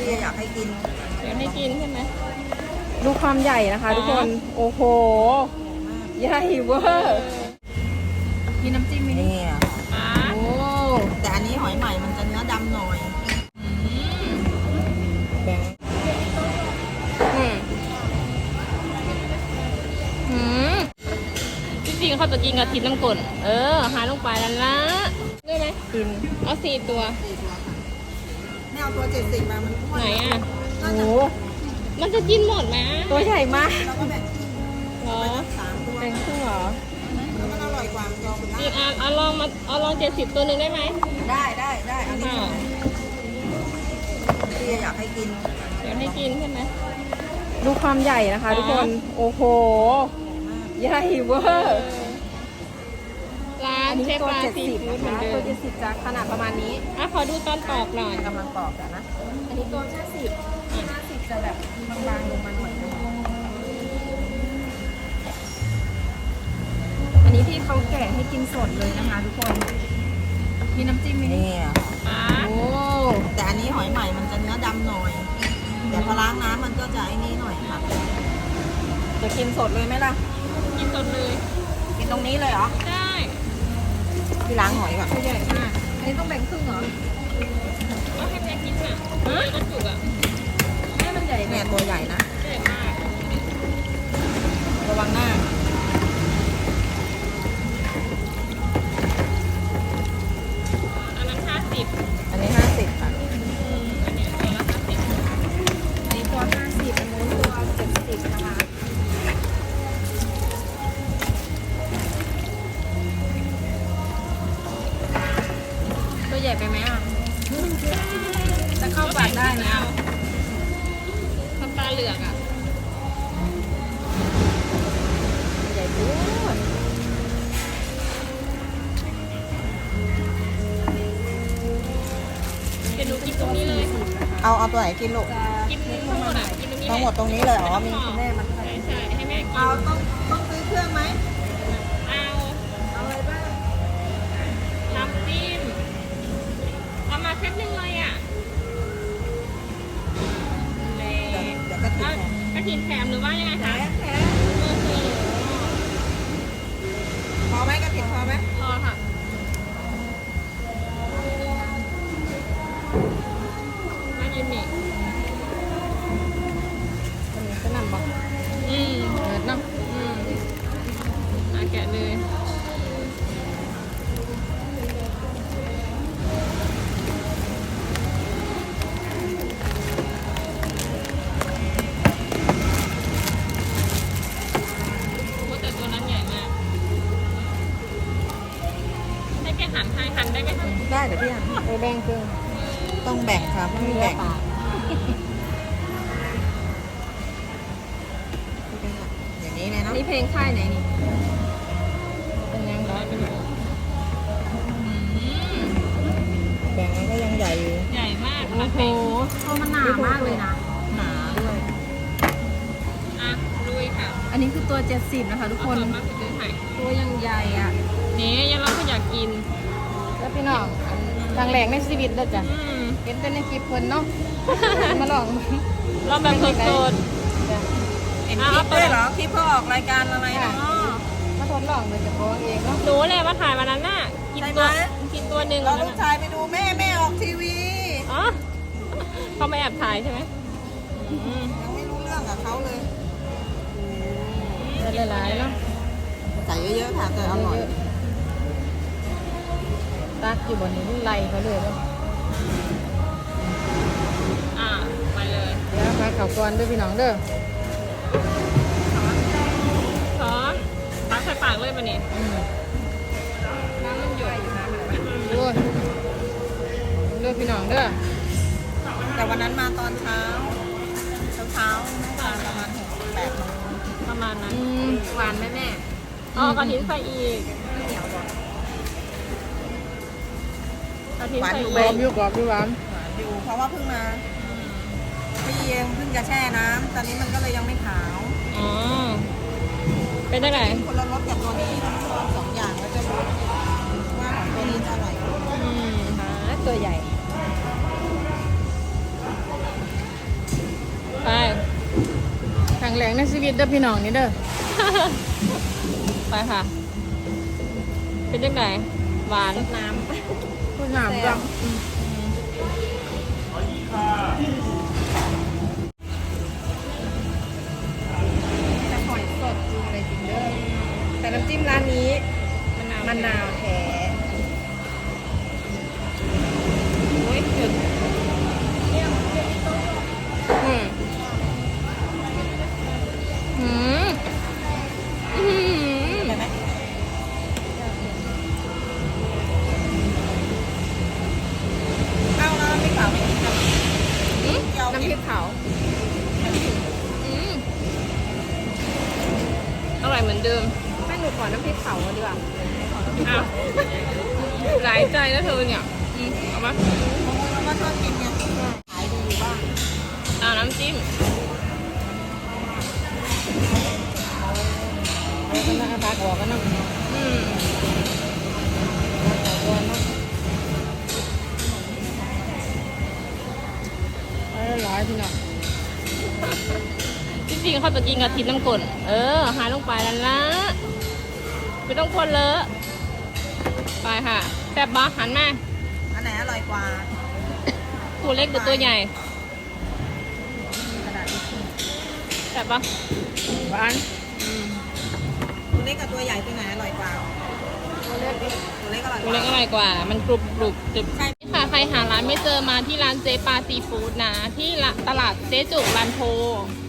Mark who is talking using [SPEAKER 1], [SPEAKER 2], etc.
[SPEAKER 1] อยากให้กิน
[SPEAKER 2] อยากให้กินใช่ไหม
[SPEAKER 3] ดูความใหญ่นะคะทุกคนโอ้โหใหญ่เวอร์มีน้ำจิ้มไหม
[SPEAKER 1] นี่
[SPEAKER 3] โอ้
[SPEAKER 1] แต่อันนี้หอยใหม่มันจะเนื้อดำหน่อย
[SPEAKER 3] แบ่ง
[SPEAKER 2] จริงๆเขาจะกินกระถิ่นน้ำกลนหาลงไปแล้วนะได้ไหม
[SPEAKER 3] กิน
[SPEAKER 2] เอา4 ตัว
[SPEAKER 1] ไม่เอาตัว70มามัน
[SPEAKER 2] ไหนอ่ะ
[SPEAKER 3] โอ้
[SPEAKER 2] มันจะกินหมดไหม
[SPEAKER 3] ตัวใหญ่มาก
[SPEAKER 1] เราก็แบ่ง
[SPEAKER 2] เหรอ
[SPEAKER 1] 3 ตัว
[SPEAKER 3] แบ่งครึ่งเหรอ
[SPEAKER 1] แล้วมันอร่อยกว่ามันยอม
[SPEAKER 2] อีกเอาลอง70 ตัวหนึ่งได้ไหม
[SPEAKER 1] ได้อันนี้พี่อยากให้กิน
[SPEAKER 2] อยากให้กินใช่ไหม
[SPEAKER 3] ดูความใหญ่นะคะทุกคนโอ้โหใหญ่เวอร์
[SPEAKER 2] ร้านเชฟปลาซีฟู้ดเหมือนเดิม
[SPEAKER 3] ตัว70จะขนาดประมาณนี้
[SPEAKER 2] ขอดูตอนปอกหน่อย
[SPEAKER 1] กำลังปอกกันนะ
[SPEAKER 3] อันนี้ตัว50จะแบบบางๆลงมาหน่อยอันนี้ที่เขาแกะให้กินสดเลยนะคะทุกคนมีน้ำจิ้มไหม
[SPEAKER 1] นี่
[SPEAKER 3] โอ้
[SPEAKER 1] แต่อันนี้หอยใหม่มันจะเนื้อดำหน่อยแต่พอล้างน้ำมันก็จะไอ้นี่หน่อยค่ะจะกินสดเลยไหมล่ะ
[SPEAKER 2] กินสดเลย
[SPEAKER 1] กินตรงนี้เลยเหรอ
[SPEAKER 2] ได้
[SPEAKER 1] ที่ล้างหอยก่อน
[SPEAKER 3] ตัวใหญ่มากอันนี้ต้องแบ่งครึ่งเหรอ
[SPEAKER 2] ก็ให้แม่กินค่ะกระจุกอ่ะ
[SPEAKER 3] แม่มันใหญ่
[SPEAKER 1] แม่ตัวใหญ่นะ
[SPEAKER 2] ใหญ่มาก
[SPEAKER 1] ระวังหน้า
[SPEAKER 2] อันนั้น50
[SPEAKER 1] อันนี้50ค่ะ
[SPEAKER 2] อันนี้ตัวละ50
[SPEAKER 3] อันนี้ตัว50อันนู้นตัว70นะคะตัวใหญ่ไปไหมอ่ะจะเข้าปากได้ไหม
[SPEAKER 2] ทำปลาเหลือกอ่ะ
[SPEAKER 3] ใหญ่ปุ๊บ
[SPEAKER 2] เดี๋ยวหนูกินตรงนี้เลย
[SPEAKER 1] เอาตัวไหนกินลูก
[SPEAKER 2] กินทั้งหมดอ่ะกินตรงนี้
[SPEAKER 1] ทั้งหมดตรงนี้เลยมี
[SPEAKER 3] คุณแม่มัน
[SPEAKER 2] ใช่ให้แม่กิน
[SPEAKER 1] เอาต้องซื้อเครื่องไหม
[SPEAKER 2] เอา
[SPEAKER 1] อะไรบ้าง
[SPEAKER 2] น้ำจิ้มเอามาเซตหนึ่งเลยอ่ะ
[SPEAKER 1] เดี๋ยวก็ติด
[SPEAKER 2] กระถิ่นแถมหรือว่ายังไงคะ
[SPEAKER 1] แถมพอไหมกระถิ่นพอไหม
[SPEAKER 2] พอค่ะมายืนนี่
[SPEAKER 3] อันนี้ก็นำบอก
[SPEAKER 2] เ
[SPEAKER 3] ปิดเนาะ
[SPEAKER 2] แกะเลยแต่ตัวนั้นใหญ่มากให้แกหั่นได้ไหมคะ
[SPEAKER 1] ได้เดี๋ยวพี่
[SPEAKER 3] แบ่งครึ่ง
[SPEAKER 1] ต้องแบ่งครับไม่แบ่งอย่างนี้เลยเนาะ
[SPEAKER 3] นี่เพลงค่ายไหนนี่เป็นยังไง
[SPEAKER 1] แบ่งก็ยังใหญ่อยู่
[SPEAKER 2] ใหญ่มาก
[SPEAKER 3] โอ้โหตัวมันหนามากเลยนะ
[SPEAKER 1] หนาด้วย
[SPEAKER 2] ลุยค่ะ
[SPEAKER 3] อันนี้คือตัว70นะคะทุกคนตัวยังใหญ่อ่ะ
[SPEAKER 2] นี่ยังเราก็อยากกิน
[SPEAKER 3] แล้วพี่น้องทางแหลกในชีวิตเลยจ้ะเห็นแต่ในคลิปเพิ่นเนาะมาลอง
[SPEAKER 2] เราแบบสด
[SPEAKER 1] เห็นคลิปด้วยเหรอคลิปเขาออกรายการอะไรเนาะ
[SPEAKER 3] มาทดลองเลยจะบอกเองเนาะ
[SPEAKER 2] หนูเลยมาถ่ายวันนั้นน่ะกินตัวหนึ่ง
[SPEAKER 1] เราลูกชายไปดูแม่ออกทีวี
[SPEAKER 2] อ๋อเขาไม่แอบถ่ายใช่ไหม
[SPEAKER 1] ยังไม่รู้เรื่องกับเขาเลย
[SPEAKER 3] หลายๆเนาะ
[SPEAKER 1] ใส่เยอะๆค่ะแต่อร่อย
[SPEAKER 3] ตักอยู่บนนี้ไล่เขาเลยว่า
[SPEAKER 2] ไปเลย
[SPEAKER 3] เดี๋ยวมาข่าวก่อนด้วยพี่น้องเด้อ
[SPEAKER 2] ขอตักใส่ปากเลยป่ะนี่
[SPEAKER 3] น้ำมันหยดอยู่นะด้วยพี่น้องเด้อ
[SPEAKER 1] แต่วันนั้นมาตอนเช้าประมาณ6-8 โมง
[SPEAKER 2] ประมาณนั้น
[SPEAKER 3] หวานไหมแม่
[SPEAKER 2] กระถิ่นใส่อีกกระถิ่นใส่อีก
[SPEAKER 3] กรอบอยู่หวาน
[SPEAKER 1] อยู่เพราะว่าเพิ่งมาพี่เองเพิ่งจะแช่น้ำตอนนี้มันก็เลยยังไม่ขาว
[SPEAKER 2] เป็นได้ไง
[SPEAKER 1] คนละรสกับตัวนี้2 อย่างแล้วจะรู้ว่าของตัวนี้จะอร่อย
[SPEAKER 3] ตัวใหญ่รั้งแรกในชีวิตเด้อพี่น้องนี่เด้อ
[SPEAKER 2] ไปค่ะ เป็นยังไงหวาน
[SPEAKER 1] รดน้
[SPEAKER 3] พูดงามจังแต่หอยสดจริงเลยจริงเด้อแต่น้ำจิ้มร้านนี้มะนาวแท้
[SPEAKER 2] โอ้ยเผ็ดอืมอืมอืม
[SPEAKER 1] ำได้ไหม เอาแล้วไม่ขาวไม่กินครับ
[SPEAKER 2] อืม
[SPEAKER 3] น้ำพริกเผา
[SPEAKER 2] อืมอร่อยเหมือนเดิม
[SPEAKER 3] แม่หนูขอน้ำพริกเผาดีกว่า
[SPEAKER 2] อ้าวหลายใจแล้วเธอเนี่ยเอามา
[SPEAKER 1] เราก็ชอบกินไงขายดีอยู่บ้าง
[SPEAKER 2] เอาน้ำจิ้ม
[SPEAKER 3] เอาก็น่าพักออกกันเนาะ
[SPEAKER 2] อืม
[SPEAKER 3] ตัวเนาะร้อยพี่น้อง
[SPEAKER 2] จริงๆเขาจะกินกะทิน้ำกลนหายลงไปแล้วนะไม่ต้องคนเลอะไปค่ะแซ่บบ้าหันมา
[SPEAKER 1] อันไหนอร่อยกว่า
[SPEAKER 2] ตัวเล็กหรือตัวใหญ่
[SPEAKER 1] กระดาษทิชชู่
[SPEAKER 2] แซ่บปะ
[SPEAKER 3] หวาน
[SPEAKER 1] ตัวเล็กกับตัวใหญ่ตัวไหนอร่อยกว่า
[SPEAKER 3] ตัวเล็กดิ
[SPEAKER 1] ตัวเล็กอร่อยก
[SPEAKER 2] ตัว
[SPEAKER 1] ว่า
[SPEAKER 2] เล็กอร่อยกว่า มันกรุบกรุบจุบ
[SPEAKER 1] ใช่
[SPEAKER 2] ค่ะใครหาร้านไม่เจอมาที่ร้านเจ๊ปาซีฟู้ดนะ ที่ตลาดเจ๊จุกลานโพ